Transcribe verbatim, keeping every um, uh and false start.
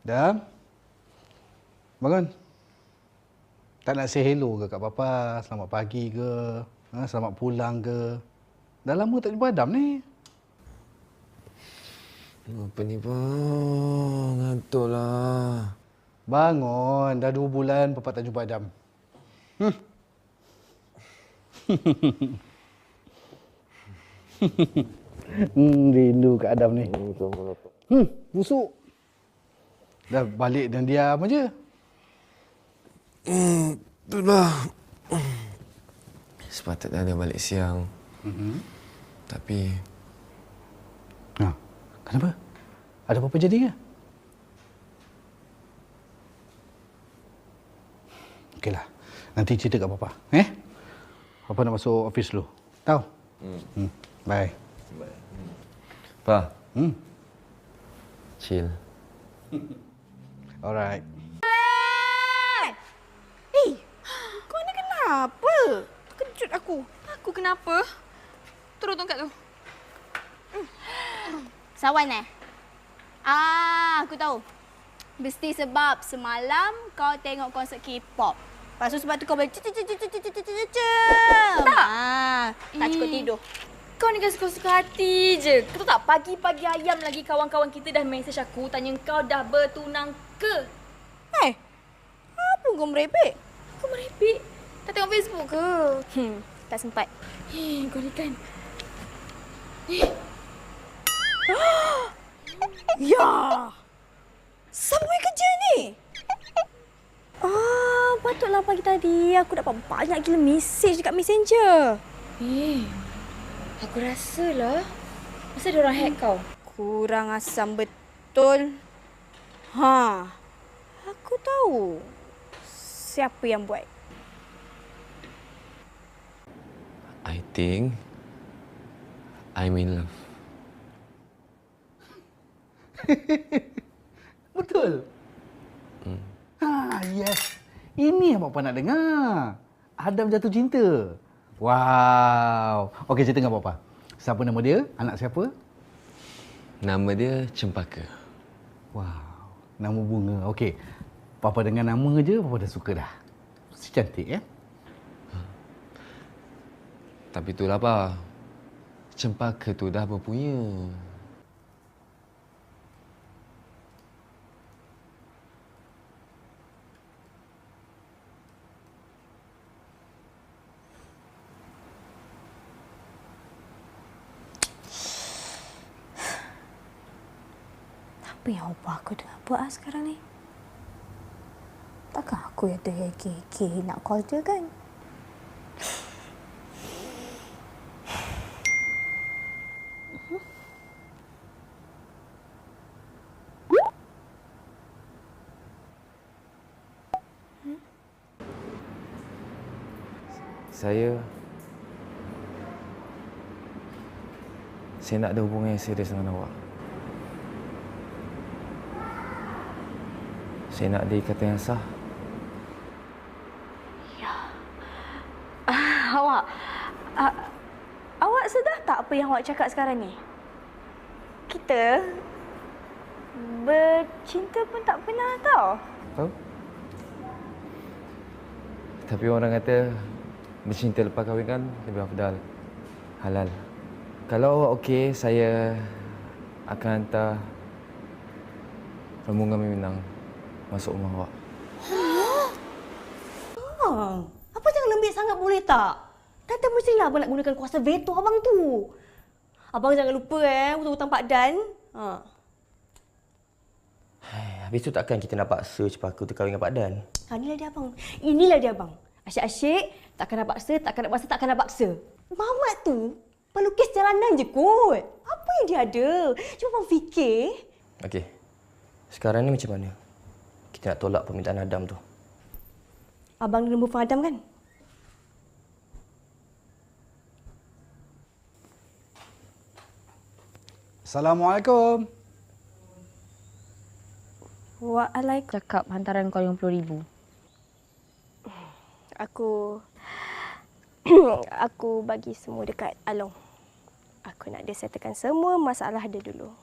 Dah? Bangun. Tak nak say hello ke kat Papa? Selamat pagi ke? Ha, selamat pulang ke? Dah lama tak jumpa Adam ni. Apa ni, bang? Ngantuk lah. Bangun. Dah dua bulan Papa tak jumpa Adam. Hmm. hmm, rindu kat Adam ni. Hmm, busuk. Dah balik dan diam aja. Hmm, itulah. Sepatutnya dia balik siang. Mm-hmm. Tapi... Ha, kenapa? Ada apa-apa jadi ke? Okeylah. Nanti cerita kat Papa. Eh? Papa nak masuk office dulu. Tahu? Hmm. hmm. Bye. Bye. Pa. Hmm. Chill. Alright. Eh, kau ni kenapa? Terkejut aku. Aku kenapa? Turun tongkat tu. Sawan eh? Ah, aku tahu. Mesti sebab semalam kau tengok konsert K-pop. Lepas tu sebab tu kau boleh cem-cem-cem-cem-cem. Tak. Ah, tak cukup tidur. Kau ni kan suka-suka hati je. Kau tahu tak, pagi-pagi ayam lagi kawan-kawan kita dah mesej aku tanya kau dah bertunang ke? Eh, apa kau merepek? Kau merepek? Tak tengok Facebook ke? Hmm, tak sempat. Eh, kau ni kan. Eh. Ya! Siapa punya kerja ni? Ah, patutlah pagi tadi aku dapat banyak gila mesej dekat Messenger. Eh, aku rasalah. Masa ada orang hack kau? Kurang asam betul. Ha, aku tahu siapa yang buat. I think... I'm in love. Betul? Hmm. Ha, yes. Ini yang Papa nak dengar. Adam jatuh cinta. Wow. Okey, cerita dengan Papa. Siapa nama dia? Anak siapa? Nama dia Cempaka. Wow. Nama bunga. Okey. Papa dengar nama je, Papa dah suka dah. Si cantik, ya? Tapi itulah, Pa. Cempaka tu dah berpunya. Apa yang ubah aku dengan buat sekarang ni? Takkan aku yang terheki-heki nak call dia kan? Saya... Saya nak ada hubungan yang serius dengan awak. Saya nak ada ikatan yang sah. Ya. Ah, awak... Ah, awak sedar tak apa yang awak cakap sekarang ni? Kita... bercinta pun tak pernah tahu. Tahu? Tapi orang kata bercinta lepas kahwin kan lebih afdal. Halal. Kalau awak okey, saya akan hantar rombongan Minang masuk rumah awak. Abang, apa jangan lembik sangat boleh tak? Tante mestilah abang nak gunakan kuasa veto abang tu. Abang jangan lupa eh, hutang-hutang Pak Dan. Ha. Habis tu takkan kita nak paksa Cempaka tu kahwin dengan Pak Dan? Ha, inilah dia abang. Inilah dia abang. Asyik-asyik, takkan nak paksa, takkan nak paksa, takkan nak paksa. Mamat tu pelukis jalanan je kot. Apa yang dia ada? Cuba abang fikir. Okey. Sekarang ni macam mana? Kita nak tolak permintaan Adam tu. Abang ada nombor phone Adam kan? Assalamualaikum. Waalaikumsalam. Cakap hantaran kau lima puluh ribu. Aku... aku bagi semua dekat Along. Aku nak dia settlekan semua masalah dia dulu.